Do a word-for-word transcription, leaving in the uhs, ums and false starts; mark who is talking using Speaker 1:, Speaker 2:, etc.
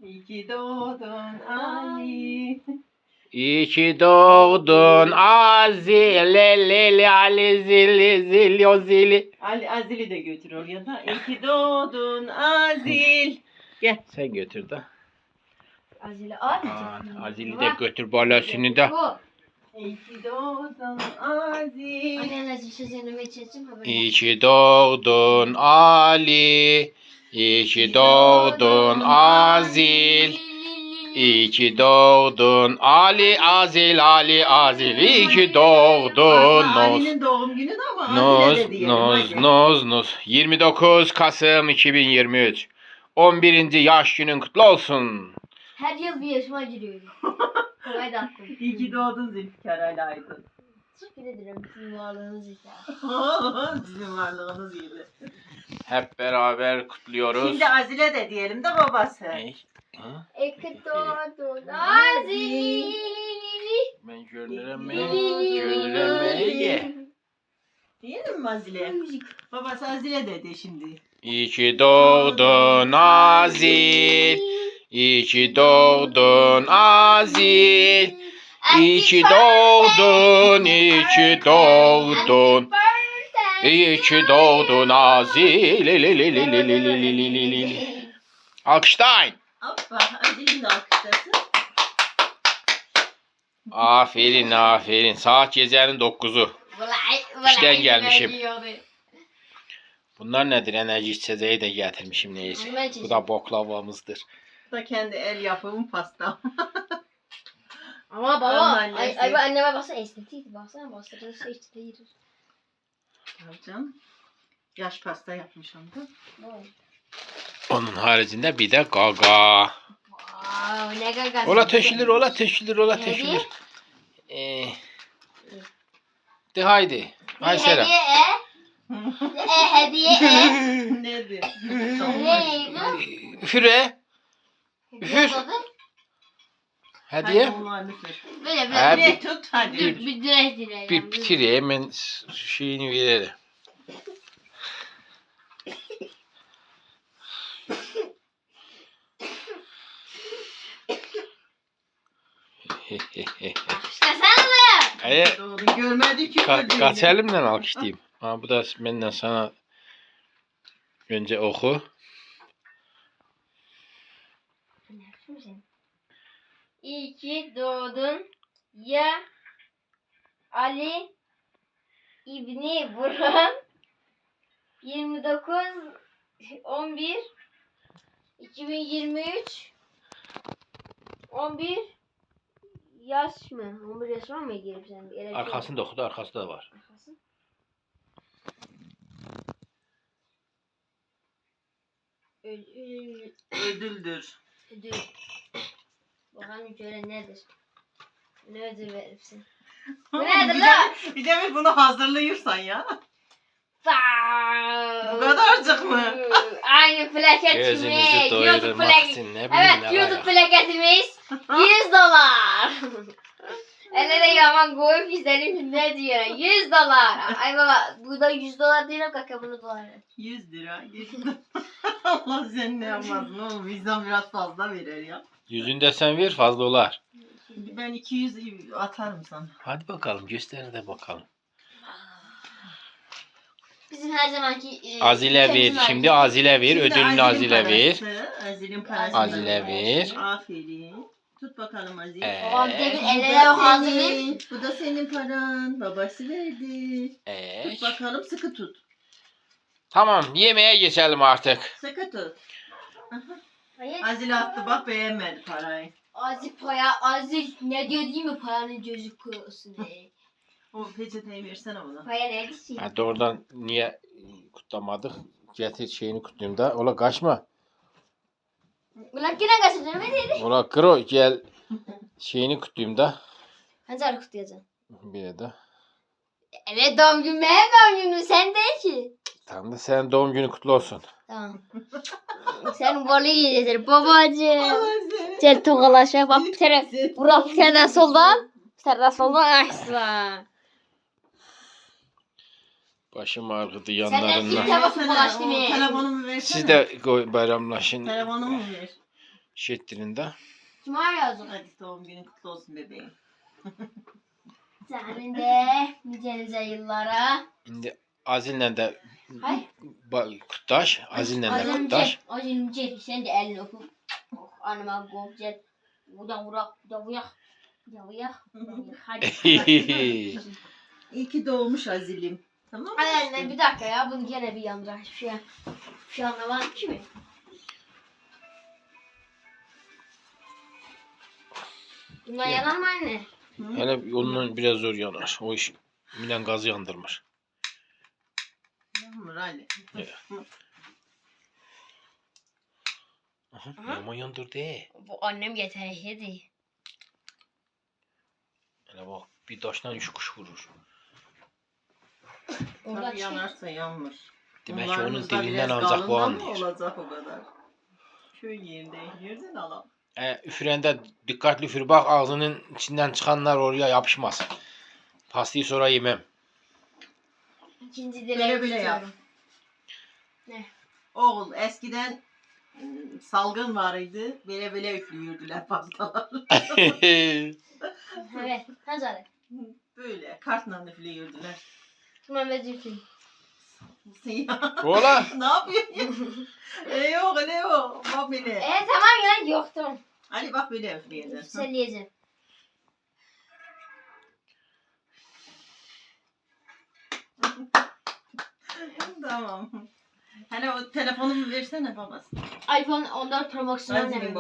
Speaker 1: İyi ki doğdun Ali.
Speaker 2: İyi ki doğdun Azile leli ali zili zili o zili.
Speaker 1: Ali Azil'i de götür oraya da. İyi ki doğdun Azil. Gel.
Speaker 2: Sen götür de.
Speaker 3: Azile
Speaker 2: Aa,
Speaker 3: abi.
Speaker 2: Azil'i de götür balasını da.
Speaker 1: İyi ki doğdun Azil.
Speaker 3: Anneler sözünü geçeceğim.
Speaker 2: İyi ki doğdun Ali. İyi ki doğdun Azil. İyi ki doğdun Ali Azil Ali Azil. İyi ki doğdun
Speaker 1: Aslında
Speaker 2: Noz.
Speaker 1: Ali'nin doğum günü de ama
Speaker 2: Noz
Speaker 1: Azil'e de diyelim.
Speaker 2: Noz
Speaker 1: hadi.
Speaker 2: Noz Noz. yirmi dokuz Kasım iki bin yirmi üç. on birinci yaş günün kutlu olsun.
Speaker 3: Her yıl bir yaşıma giriyorum. Kolay da aklım.
Speaker 1: İyi ki doğdun Zülfikar Ali Aydın.
Speaker 3: Teşekkür ederim sizin varlığınız için.
Speaker 1: Sizin varlığınız gibi.
Speaker 2: Hep beraber kutluyoruz.
Speaker 1: Şimdi Azil'e de diyelim de babası.
Speaker 2: Ne? Ha?
Speaker 3: Eki doğdun Azili.
Speaker 2: Ben gönderemeye, gönderemeye.
Speaker 1: Diyelim mi Azil'e? Babası Azil'e dedi şimdi.
Speaker 2: İyi ki doğdun Azil. İyi ki doğdun Azil. İyi ki doğdun, iyi ki doğdun. İyi ki doğdun Azil. Li li li li li li li li li li li. Alkışlayın.
Speaker 1: Hoppa Azil'in de alkışlasın.
Speaker 2: Aferin aferin. Saat gecenin dokuzu. İşten gelmişim. Bunlar nedir? Enerji içeceği de getirmişim neyse. Bu da boklavamızdır.
Speaker 1: Bu da kendi el yapımı pasta.
Speaker 3: Ama baba,
Speaker 1: Annesi.
Speaker 3: ay, ay anneme baksana estetik, baksana bastırdığı şey işte değil.
Speaker 1: Canım. Yaş pasta yapmış onda.
Speaker 2: Onun haricinde bir de gaga.
Speaker 3: Wow, ne gaga.
Speaker 2: Ola teşilir, ola teşilir, ola
Speaker 3: Ne
Speaker 2: teşilir. Ee, de haydi. Hay selam.
Speaker 3: Hediye e. E hediye e.
Speaker 1: Nedir?
Speaker 2: Üfüre. Üfür. Hediye.
Speaker 3: Böyle
Speaker 2: Ha,
Speaker 3: böyle.
Speaker 1: Bir tut hadi.
Speaker 3: Bir bir direk direk.
Speaker 2: Bir bitir hemen şeyini verelim.
Speaker 3: İşte sen de.
Speaker 2: Hayır.
Speaker 1: Doğru görmedi ki.
Speaker 2: Ka
Speaker 1: çocuğu.
Speaker 2: kaç elimden alkışlayayım. Ha, bu da benden sana önce oku.
Speaker 3: İyi ki doğdun ya Ali İbni Burhan yirmi dokuz on bir iki bin yirmi üç on bir yaş mı? on bir yaş var mı girip sen? Bir yere-
Speaker 2: Arkasında oku da arkasında da var.
Speaker 3: Arkası. Ödül.
Speaker 1: Ödüldür.
Speaker 3: Ödül. Bakalım şöyle nedir? Ne ödül verirsin? Bu
Speaker 1: Bir
Speaker 3: nedir
Speaker 1: de-
Speaker 3: lan?
Speaker 1: Bir de mi bunu hazırlıyorsan ya?
Speaker 3: Faa!
Speaker 1: Bu kadarcık mı?
Speaker 3: Aynı plaketimiz.
Speaker 2: Gözünüzü
Speaker 3: YouTube
Speaker 2: doyurmak
Speaker 3: plak-
Speaker 2: için ne bileyim
Speaker 3: Evet,
Speaker 2: ne
Speaker 3: YouTube
Speaker 2: var.
Speaker 3: plaketimiz yüz dolar. Elere yaman koyup izlerim ne diyor? yüz dolar. Ay baba, bu da yüz dolar değil o kaka bunu dolar.
Speaker 1: yüz lira. yüz lira. Allah sen ne yapmadın oğlum. Vicdan biraz fazla verir ya.
Speaker 2: Yüzünde sen ver fazla olar.
Speaker 1: Ben iki yüz atarım sana.
Speaker 2: Hadi bakalım göster de bakalım.
Speaker 3: Bizim her zamanki e,
Speaker 2: Azile ver.
Speaker 3: ülkemizin
Speaker 2: Şimdi
Speaker 3: ayrı.
Speaker 2: Azile ver.
Speaker 1: Şimdi
Speaker 2: Ödülünü Azile ver.
Speaker 1: parası, Azil'in parası.
Speaker 2: Azile ver.
Speaker 1: Aferin. Tut bakalım Azil.
Speaker 2: Ee,
Speaker 3: Babam demin
Speaker 1: Bu da
Speaker 3: ellere hazırlayıp.
Speaker 1: senin, bu da senin paran. Babası verdi.
Speaker 2: Ee,
Speaker 1: Tut bakalım sıkı tut.
Speaker 2: tamam yemeğe geçelim artık.
Speaker 1: Sıkı tut.
Speaker 3: Hayır.
Speaker 1: Azil attı bak beğenmedi parayı.
Speaker 3: Azil paya, Azil ne diyor değil mi paranın gözü kurusun diye.
Speaker 1: O peçeteyi versene bana.
Speaker 3: Paya neydi ki?
Speaker 2: Ha, doğrudan niye kutlamadık? Getir şeyini kutlayayım da. Ola kaçma.
Speaker 3: Ulan yine kaçırdın mı dedi?
Speaker 2: Ola kro gel şeyini kutlayayım da.
Speaker 3: Hangi ara kutlayacaksın?
Speaker 2: Bir de.
Speaker 3: Evet doğum günü benim doğum günüm sen değil ki.
Speaker 2: Tam da senin doğum günü kutlu olsun.
Speaker 3: Tamam. Sen balı yiyeceksin babacığım.
Speaker 1: Allah seni.
Speaker 3: Gel tokalaşa bak bir tane. Burak bir tane soldan. Bir tane soldan açsın.
Speaker 2: Başım ağrıdı
Speaker 3: Sen
Speaker 2: yanlarından.
Speaker 3: de- Tamam,
Speaker 1: Versene,
Speaker 3: tokalaştı
Speaker 1: o
Speaker 3: mı?
Speaker 1: telefonumu versene.
Speaker 2: Siz de koy- bayramlaşın.
Speaker 1: Telefonumu ver.
Speaker 2: Şettirinde.
Speaker 3: Cuma yazık.
Speaker 1: Hadi doğum günün kutlu olsun bebeğim.
Speaker 3: Senin de nice nice yıllara.
Speaker 2: Şimdi Azil'le de
Speaker 3: Hay.
Speaker 2: ba- kutlaş. Azil'le de
Speaker 3: Acım
Speaker 2: kutlaş.
Speaker 3: çek. Acım çek. Sen de elini öpüp. Oh, anama gomcel. Buradan vurak. Buradan vuyak. Buradan vuyak. Hadi.
Speaker 1: İyi ki doğmuş Azil'im. Tamam mı?
Speaker 3: Hadi anne bir dakika ya. Bunu gene bir yandıra. Hiçbir şey. Bir şey anlamadım ki mi? Bunlar yanar mı anne?
Speaker 1: Hı?
Speaker 2: Hele yolunun biraz zor yanar. O iş Milan gazı yandırmış.
Speaker 1: Yağmur Ali.
Speaker 2: Evet. Aha,
Speaker 3: Aha.
Speaker 2: Yaman yandırdı. he.
Speaker 3: Bu annem yetenekliydi.
Speaker 2: Hele bak bir taştan üç kuş vurur.
Speaker 3: Orada
Speaker 1: Tabii yanarsa yanmış.
Speaker 2: Demek ki onun
Speaker 1: Bunlarımızda
Speaker 2: dilinden
Speaker 1: biraz
Speaker 2: ancak bu
Speaker 1: kalından mı
Speaker 2: anlıyor.
Speaker 1: olacak o kadar. Köy yerinde yerden alalım.
Speaker 2: E, üfürende dikkatli üfür bak ağzının içinden çıkanlar oraya yapışmasın. Pastayı sonra yemem.
Speaker 3: İkinci
Speaker 1: Böyle
Speaker 3: dileğimi
Speaker 1: böyle yap.
Speaker 3: tutuyorum. Ne?
Speaker 1: Oğul eskiden ıı, salgın vardı. Böyle böyle üflüyordüler pastalar.
Speaker 3: Evet. Hazır.
Speaker 1: Böyle kartla üflüyordüler.
Speaker 3: Mehmet Zülfü.
Speaker 1: Ya,
Speaker 2: Ola.
Speaker 1: ne yapıyorsun? E yok öyle yok. Bak böyle.
Speaker 3: E tamam ya yoktum.
Speaker 1: Ali bak böyle üfleyeceksin.
Speaker 3: Söyleyeceğim.
Speaker 1: Tamam. Hani o telefonumu versene babası.
Speaker 3: iPhone on dört Pro Max'ın
Speaker 1: Azil'in
Speaker 3: annem.